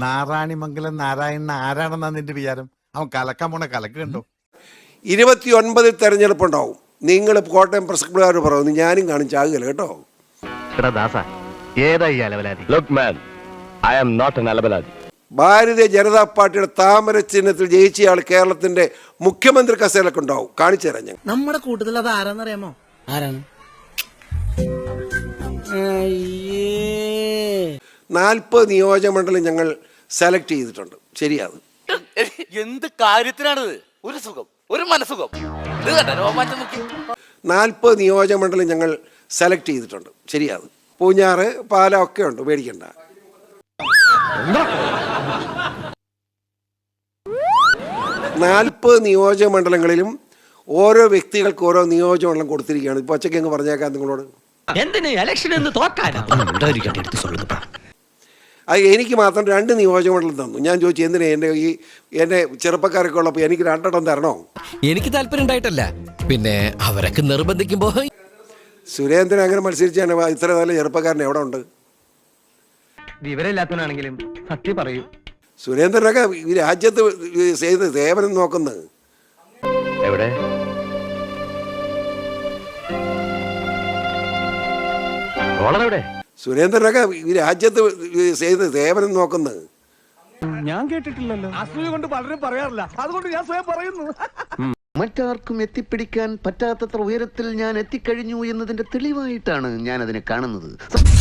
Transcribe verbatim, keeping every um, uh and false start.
നാരായണിമംഗലം നാരായണൻ ആരാണെന്നാ നിന്റെ വിചാരം? അവൻ കലക്കാൻ പോണ കലക്ക് കണ്ടോ? ഇരുപത്തി ഒൻപതിൽ തെരഞ്ഞെടുപ്പുണ്ടാവും. നിങ്ങൾ കോട്ടയം പ്രസ് ക്ലബ്ബുകാർ പറയുന്നു, ഞാനും കാണും, ചാകുകയില്ല കേട്ടോ. ഭാരതീയ ജനതാ പാർട്ടിയുടെ താമര ചിഹ്നത്തിൽ ജയിച്ചയാൾ കേരളത്തിന്റെ മുഖ്യമന്ത്രി കസേരയിലൊക്കെ ഉണ്ടാവും. കാണിച്ചു തരാം ഞാൻ. നമ്മുടെ കൂട്ടത്തിൽ അത് ആരാന്നറിയാമോ? ആരാണ്? നാൽപ്പത് നിയോജകമണ്ഡലം ഞങ്ങൾ സെലക്ട് ചെയ്തിട്ടുണ്ട്. ശരിയാണ്. എന്ത് കാര്യത്തിനാണിത്? ഒരു സുഖം, ഒരു മനസുഖം. നാൽപ്പത് നിയോജകമണ്ഡലം ഞങ്ങൾ സെലക്ട് ചെയ്തിട്ടുണ്ട്. ശരിയാണ്. പൂഞ്ഞാറ്, പാല ഒക്കെ ഉണ്ട്, പേടിക്കണ്ട. നാൽപ്പത് നിയോജക മണ്ഡലങ്ങളിലും ഓരോ വ്യക്തികൾക്ക് ഓരോ നിയോജകമണ്ഡലം കൊടുത്തിരിക്കുകയാണ്. ഇപ്പൊ ഒച്ചയ്ക്ക് അങ്ങ് പറഞ്ഞേക്കാം നിങ്ങളോട്. അത് എനിക്ക് മാത്രം രണ്ട് നിയോജകമണ്ഡലം തന്നു. ഞാൻ ചോദിച്ചു, എന്തിനാ എൻ്റെ ഈ എൻ്റെ ചെറുപ്പക്കാരൊക്കെ ഉള്ളപ്പോൾ എനിക്ക് രണ്ടെണ്ണം തരണോ? എനിക്ക് താല്പര്യം ഉണ്ടായിട്ടല്ല, പിന്നെ അവരൊക്കെ നിർബന്ധിക്കുമ്പോ. സുരേന്ദ്രൻ അങ്ങനെ മത്സരിച്ചാണ് ഇത്ര നല്ല ചെറുപ്പക്കാരൻ എവിടെ ഉണ്ട്? വിവരമില്ലാത്തവനാണെങ്കിലും സത്യം പറയൂ. സുരേന്ദ്രനൊക്കെ ഈ രാജ്യത്ത് ചെയ്ത് സേവനം നോക്കുന്നത്. എവിടെ? സുരേന്ദ്രനൊക്കെ ഈ രാജ്യത്ത് ചെയ്ത് സേവനം നോക്കുന്നത്. ഞാൻ കേട്ടിട്ടില്ലല്ലോ. അസൂയ കൊണ്ട് പലരും പറയാറില്ല, അതുകൊണ്ട് ഞാൻ സ്വയം പറയുന്നു. മറ്റാർക്കും എത്തിപ്പിടിക്കാൻ പറ്റാത്തത്ര ഉയരത്തിൽ ഞാൻ എത്തിക്കഴിഞ്ഞു എന്നതിന്റെ തെളിവായിട്ടാണ് ഞാൻ അതിനെ കാണുന്നത്.